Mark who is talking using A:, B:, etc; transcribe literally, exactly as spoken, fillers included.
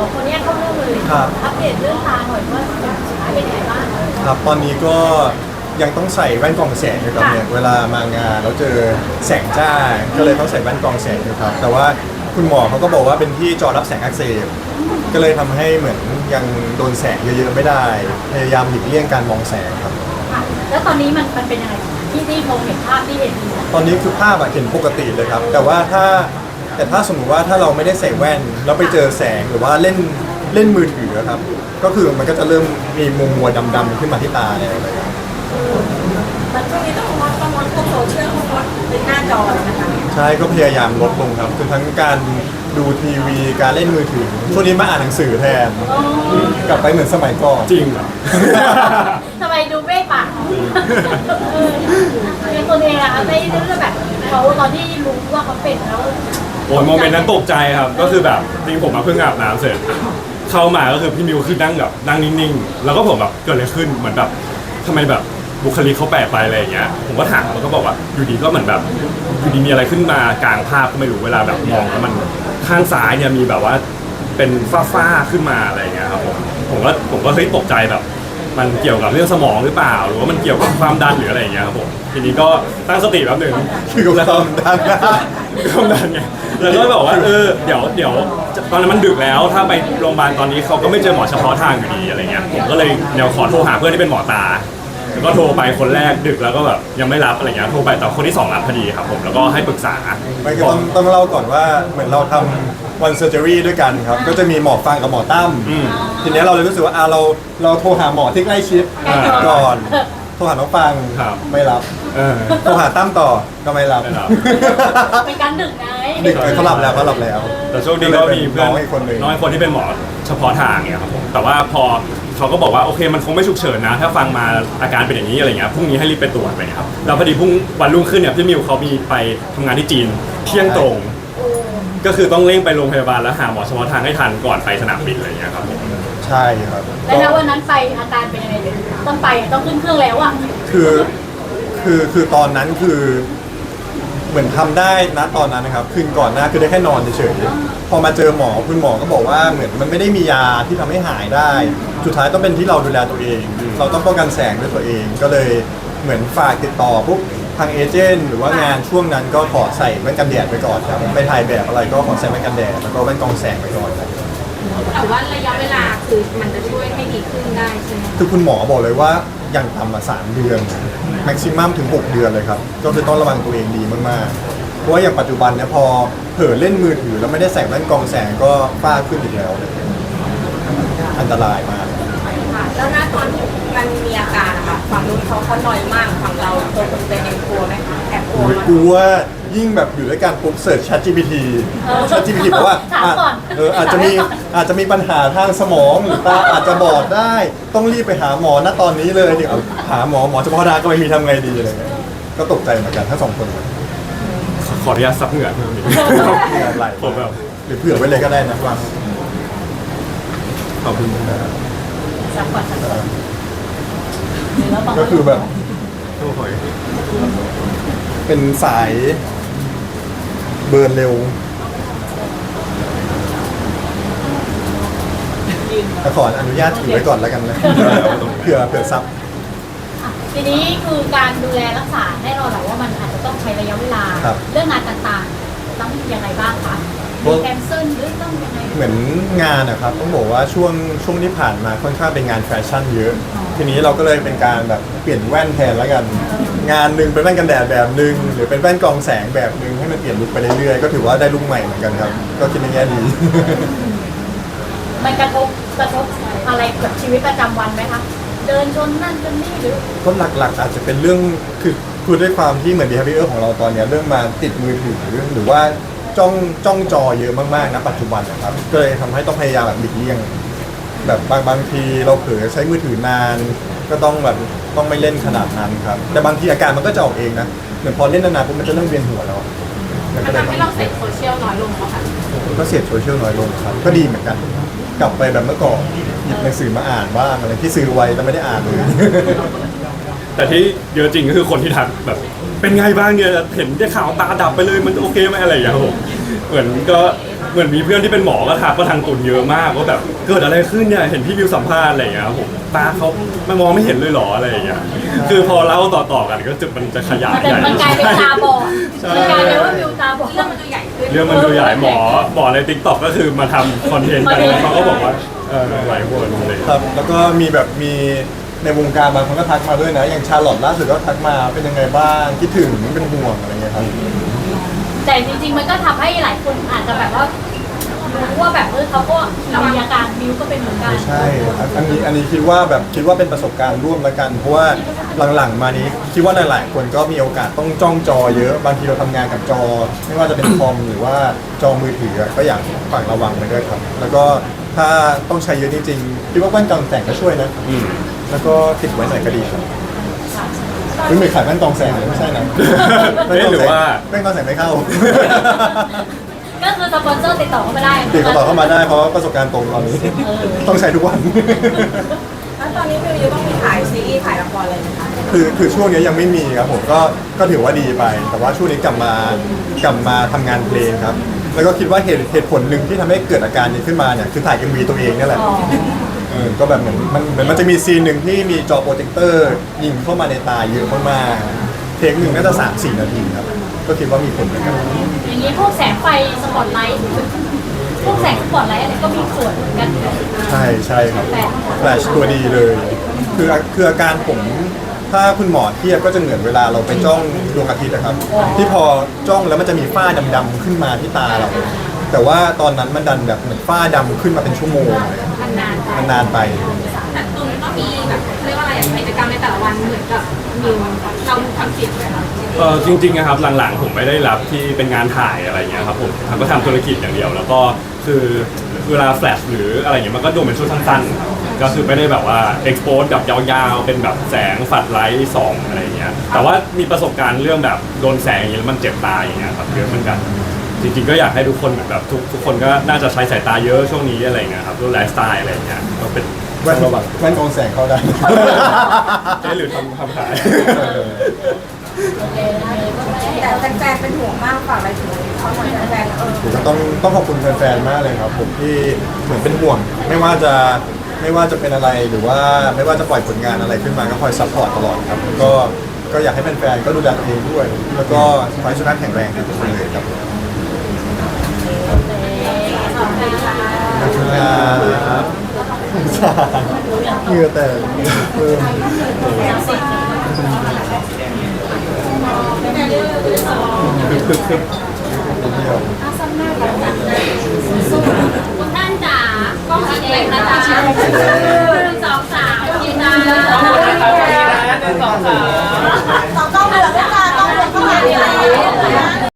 A: อคนนี้เข้าเรื่องเลยอัปเดตเรื่องตาหน่อยว่าสุดท้ายเป็นยังไงบ้าง
B: ครับตอนนี้ก็ยังต้องใส่แว่นกรองแสงอยู่ครับเนี่ยเวลามางานแล้วเจอแสงจ้าก็เลยต้องใส่แว่นกรองแสงอยู่ครับแต่ว่าคุณหมอเขาก็บอกว่าเป็นที่จอรับแสงอักเสบก็เลยทำให้เหมือนยังโดนแสงเยอะๆไม่ได้พยายามหลีกเลี่ยงการมองแสงครับ
A: แล้วตอนนี้มันมันเป็นยังไงที่ที่มองเห็นภาพที่เห็น
B: ตอนนี้คือภาพอะเห็นปกติเลยครับแต่ว่าถ้าแต่ถ้าสมมติว่าถ้าเราไม่ได้ใส่แว่นแล้วไปเจอแสงหรือว่าเล่นเล่นมือถือครับก็คือมันก็จะเริ่มมีมัวมัวดำๆขึ้นมาที่ตาเนี่ยอะไรครับ
A: มันช่วงนี้ต้องงดต้องงดพวกโซเชียลต้องงดเป็นหน้าจอนะคะ
B: ใช่ก็พยายามลดลงครับคือทั้งการดูทีวีการเล่นมือถือช่วงนี้มาอ่านหนังสือแทนกลับไปเหมือนสมัยก่อน
C: จริงเหรอ
A: ทำไมดูเบ้ปากเป็นตัวเองอะไม่เรื่องแบบเขาตอนที่รู้ว่าเขาเป็นแล้ว
C: โอ้ยโมเมนต์นั้นตกใจครับก็คือแบบจริงผมมาเพิ่งอาบน้ำเสร็จเข้ามาก็คือพี่มิวคือนั่งแบบนั่งนิ่งๆแล้วก็ผมแบบเกิดอะไรขึ้นเหมือนแบบทำไมแบบบุคลิกเขาแปลกไปอะไรอย่างเงี้ยผมก็ถามแล้วก็บอกว่าอยู่ดีก็เหมือนแบบอยู่ดีมีอะไรขึ้นมากลางภาพก็ไม่รู้เวลาแบบมองแล้วมันข้างซ้ายเนี่ยมีแบบว่าเป็นฝ้าๆขึ้นมาอะไรอย่างเงี้ยครับผมผมก็ผมก็เฮ้ยตกใจแบบมันเกี่ยวกับเรื่องสมองหรือเปล่าหรือว่ามันเกี่ยวกับความดันหรืออะไรอย่างเงี้ยครับผมทีนี้ก็ตั้งสติแป๊บหนึ่ง
B: คือกับความดัน
C: ความดันไงแล้วก็บอกว่าเออเดี๋ยวเดี๋ยวตอนนั้นมันดึกแล้วถ้าไปโรงพยาบาลตอนนี้เขาก็ไม่เจอหมอเฉพาะทางอยู่ดีอะไรเงี้ยผมก็เลยเดี๋ยวขอโทรหาเพื่อนที่เป็นหมอตาแล้วก็โทรไปคนแรกดึกแล้วก็แบบยังไม่รับอะไรเงี้ยโทรไปแต่คนที่สองรับพอดีครับผมแล้วก็ให้ปรึกษา
B: ไม่ก็ต้องต้องเล่าก่อนว่าเหมือนเราทำวันเซอร์เจอรี่ด้วยกันครับก็จะมีหมอฟังกับหมอตั้มทีนี้เราเลยรู้สึกว่าอ่าเราเราโทรหาหมอที่ใกล้ชิดก่อนโทรหาน้องฟังไม่รับโทรหาตั้มต่อก็ไม่รับ
A: เป็นการดึกไง
B: ดึกเขาหลับแล้วเขาหลับแล้ว
C: แต่โชคดีก็มีเพื่อนน้อยคนนึงน้อยคนที่เป็นหมอเฉพาะทางเนี่ยครับผมแต่ว่าพอเขาก็บอกว่าโอเคมันคงไม่ฉุกเฉินนะถ้าฟังมาอาการเป็นอย่างนี้อะไรเงี้ยพรุ่งนี้ให้รีบไปตรวจไปครับแล้วพอดีพรุ่งวันรุ่งขึ้นเนี่ยพี่มิวเขามีไปทำงานที่จีนเที่ยงตรงก็คือต้องเร่งไปโรงพยาบาลแล้วหาหมอเฉพาะทางให้ทันก่อนไปสนามบินอะไรเงี้ยครับผม
B: ใช่ครับ
A: แล้ววันนั้นไปอาการเป็นยังไงต้องไปต้องขึ้นเครื่องแล้วอ่ะ
B: คือคือคือตอนนั้นคือเหมือนทำได้นะตอนนั้นนะครับคืนก่อนหน้าคือได้แค่นอนเฉยๆพอมาเจอหมอคุณหมอก็บอกว่าเหมือนมันไม่ได้มียาที่ทำให้หายได้สุดท้ายต้องเป็นที่เราดูแลตัวเองเราต้องป้องกันแสงด้วยตัวเองก็เลยเหมือนฝากติดต่อปุ๊บทางเอเจนต์หรือว่างานช่วงนั้นก็ขอใส่แว่นกันแดดไปก่อนครับไปถ่ายแบบอะไรก็ขอใส่แว่นกันแดดแล้วก็แว่นกรองแสงไปก่อนครับ
D: แต่ว่าระยะเวลาคือมันจะช่วยให้ดีขึ้นได้ใช่ไหม
B: คือคุณหมอบอกเลยว่าอย่างต่ำมาสามเดือนแม็กซิมัมถึงหกเดือนเลยครับก็คือต้องระวังตัวเองดีมากๆเพราะว่าอย่างปัจจุบันเนี่ยพอเผลอเล่นมือถือแล้วไม่ได้ใส่แว่นกรองแสงก็ฝ้าขึ้นอีกแล้วเลยอันตรายมาก
D: ค่ะแล้วณตอนที่มันมีอาการอะค่ะฝั่งนู้นเขาเขาหน่อยมากฝั่งเราตัวคนเป็นยังกลัวไหมคะแอบกลัวไหม
B: กลัวยิ่งแบบอยู่ด้วยกันปุ๊บเสิร์ช Chat จี พี ที Chat จี พี ที บอกว่าเอออาจจะมีอาจจะมีปัญหาทางสมองหรือตาอาจจะบอดได้ต้องรีบไปหาหมอณตอนนี้เลยเดี๋ยวหาหมอหมอเฉพาะทางก็ไม่มีทำไงดีอะไรเงี้ยก็ตกใจเหมือนกันทั้งสองคน
C: ขออนุญาตซับเหงื่อเพิ่มอีก
B: เหงื่อไหลผมแบบหรือเผื่อไว้เลยก็ได้นะว่าขอบคุณนะครับ
A: ซับก่อนซับก่อน
B: ก็คือแบบเป็นสายเบิร์นเร็วแต่ขออนุญาตถือไว้ก่อนแล้วกันนะเผื่อเผื่อซับ
A: ทีนี้คือการดูแลรักษาแน่นอนแหละว่ามันอาจจะต้องใช้ระยะเวลาเรื่องงานต่างๆต้องยังไงบ้างคะมีแคนเซิลหรือต้องยังไง
B: เหมือนงานนะครับต้องบอกว่าช่วงช่วงที่ผ่านมาค่อนข้างเป็นงานแฟชั่นเยอะทีนี้เราก็เลยเป็นการแบบเปลี่ยนแว่นแทนแล้วกันงานหนึ่งเป็นแว่นกันแดดแบบหนึ่งหรือเป็นแว่นกรองแสงแบบหนึ่งให้มันเปลี่ยนลุคไปเรื่อยๆก็ถือว่าได้ลุคใหม่เหมือนกันครับก็คิดในแง่ดี
A: มันกระทบกระทบอะไรกับชีวิตประจำวันไหมคะเดินชนนั่นชนนี่หรือ
B: ก็หลักๆอาจจะเป็นเรื่องคือคือด้วยความที่เหมือน behavior ของเราตอนนี้เรื่องมาติดมือถือหรือว่าจ้องจ้องจอเยอะมากๆนะปัจจุบันนะครับก็เลยทำให้ต้องพยายามแบบหลีกเลี่ยงแบบบางบางทีเราเผลอใช้มือถือนานก็ต้องแบบต้องไม่เล่นขนาดนั้นครับแต่บางทีอาการมันก็จะออกเองนะเหมือนพอเล่นนานๆปุ๊บมันจะเริ่มเวียนหัวแล้ว
D: มันทำให้เราเสพโซเชียลน้อยลงค่ะ
B: ก็เสพโซเชียลน้อยลงครับก็ดีเหมือนกันกลับไปแบบเมื่อก่อนหยิบหนังสือมาอ่านบ้างอะไรที่ซื้อไว้แต่ไม่ได้อ่านเลย
C: แต่ที่เยอะจริงก็คือคนที่ทักแบบเป็นไงบ้างเนี่ยเห็นได้ข่าวตาดับไปเลยมันโอเคไหมอะไรอย่างเงี้ยครับผมเหมือนก็เหมือนมีเพื่อนที่เป็นหมอก็ทักก็ทางตุนเยอะมากว่าแบบเกิดอะไรขึ้นเนี่ยเห็นพี่มิวสัมภาษณ์อะไรอย่างเงี้ยครับผมตาเขาไม่มองไม่เห็นเลยเหรออะไรอย่างเงี้ยคือพอเล่าต่อๆกันก็จะมันจะขยาย
A: มันจะ
C: ใหญ่
A: มันกลายเป็นตาบอด
C: ใช่
A: มันกลายเป็นว่าวิวตาบอด
D: เรื่องมันดูใหญ่ขึ้น
C: เรื่องมันดูใหญ่หมอหมอในทิกตอกก็คือมาทำคอนเทนต์กันแล้วเขาก็บอกว่าเออหลายคนเลย
B: ครับแล้วก็มีแบบมีในวงการบางคนก็ทักมาด้วยนะ อย่างชาลอตล่าสุดก็ทักมาเป็นยังไงบ้างคิดถึงเป็นห่วงอะไรเงี้ยครับ
A: แต่จริงๆมันก็ทำให้หลายคนอาจจะแบบว่ารู้ว่าแบบเออเขาก็มีอาการบิวก็เป็นเหมือนกัน
B: ใช่อันนี้อันนี้คิดว่าแบบคิดว่าเป็นประสบการณ์ร่วมแล้วกัน เพราะว่าหลังๆมานี้คิดว่าหลายๆคนก็มีโอกาสต้องจ้องจอเยอะบางทีเราทำงานกับจอ ไม่ว่าจะเป็นคอมหรือว่าจอมือถือก็อยากฝากระวังไว้ด้วยครับ แล้วก็ถ้าต้องใช้เยอะจริงๆคิดว่าแว่นกรองแสงก็ช่วยนะ
C: อืม
B: แล้วก็ติดไว้หน่อยก็ดีครับไม่เหมือนขายแว่นกรองแสงเลยไม่ใช่นะ
C: เอ๊ะหรือว่า
B: แว่นกรองแสงไม่เข้า
A: ก็คือสปอนเซอร์ติดต่อเข้ามาได้
B: ติดต่อเข้ามาได้เพราะประสบการณ์ตรงตอนนี้ ต้องใช้ทุกวัน
D: แล้วตอนนี้มิวยังต้องมีถ่ายซีรีส์ถ่ายละครอะไรไหมคะ
B: คือคือช่วงนี้ยังไม่มีครับผมก็ก็ถือว่าดีไป แต่ว่าช่วงนี้กลับมากลับมาทำงานเพลงครับ แล้วก็คิดว่าเหตุเหตุผลหนึ่งที่ทำให้เกิดอาการนี้ขึ้นมาเนี่ยคือถ่าย เอ็ม วี ตัวเองนี่แหละ
A: อ๋อ
B: เออก็แบบเหมือนมันเหมือนมันจะมีซีนหนึ่งที่มีจอโปรเจคเตอร์ยิงเข้ามาในตาเยอะมากๆเทคหนึ่งน่าจะสามสี่นาทีครับ ก็คิดว่ามีผลเหมือนกัน
A: อย่างนี้พวกแสงไฟสปอตไลท์พวกแสงสปอตไลท์อะไรก็มีส่วนเหมือนกัน
B: ใช่ใช่ครับ
A: แต่
B: แฟลชตัวดีเลย คือคืออาการผมถ้าคุณหมอเทียบก็จะเหมือนเวลาเราไปจ้องดวงอาทิตย์นะครับ ที่พอจ้องแล้วมันจะมีฝ้าดำๆขึ้นมาที่ตาเรา แต่ว่าตอนนั้นมันดันแบบเหมือนฝ้าดำขึ้นมาเป็นชั่วโมงเลย
A: มันนานไป
B: มันนานไป
D: แต่ตุนก็มีแบบเรียกว่าอะไรกิจกรรมในแต่ละวันเหมือนกับมิวเราทำสิทธิ์เลยค่ะ
C: เออจริงๆนะครับหลังๆผมไม่ได้รับที่เป็นงานถ่ายอะไรเงี้ยครับผมทำก็ทำธุรกิจอย่างเดียว แล้วก็คือเวลาแฟลชหรืออะไรเงี้ยมันก็ดูเป็นชุดสั้นๆก็คือไม่ได้แบบว่าเอ็กซ์โพสแบบยาวๆเป็นแบบแสงฝัดไลท์ส่องอะไรเงี้ยแต่ว่ามีประสบการณ์เรื่องแบบโดนแสงอย่างเงี้ยแล้วมันเจ็บตาอย่างเงี้ยครับเยอะเหมือนกัน จริงๆก็อยากให้ทุกคนเหมือนแบบทุกทุกคนก็น่าจะใช้สายตาเยอะช่วงนี้อะไรเงี้ยครับด้วยไลฟ์สไตล์อะไรเงี้ยก็เป็น
B: แว่น
C: ระวัง
B: แว่นกรองแสงเข้าได้
C: ใช่หรือทำทำขาย
D: แต่แฟนๆเป็นห่วงมากฝากอะไรถึงเขาหน่อยแฟนๆเออ
B: ผมก็ต้องต้องขอบคุณแฟนๆ มากเลยครับผมที่เหมือนเป็นห่วง ไม่ว่าจะไม่ว่าจะเป็นอะไรหรือว่าไม่ว่าจะปล่อยผลงานอะไรขึ้นมาก็คอยซัพพอร์ตตลอดครับแล้วก็ก็อยากให้แฟนๆ ก็ดูแลตัวเองด้วย แล้วก็ขอให้สุขภาพแข็งแรงทุกคนเลยครับขอบคุณครับเหงื่อแตกเพิ่มคึกคึกคึกเดียว
A: คุณท่านจ๋ากล้องสีแดงนะจ๊ะหนึ่งสองสามกินนะ
E: ขอบคุณนะครับพี่นะหนึ่งสองสาม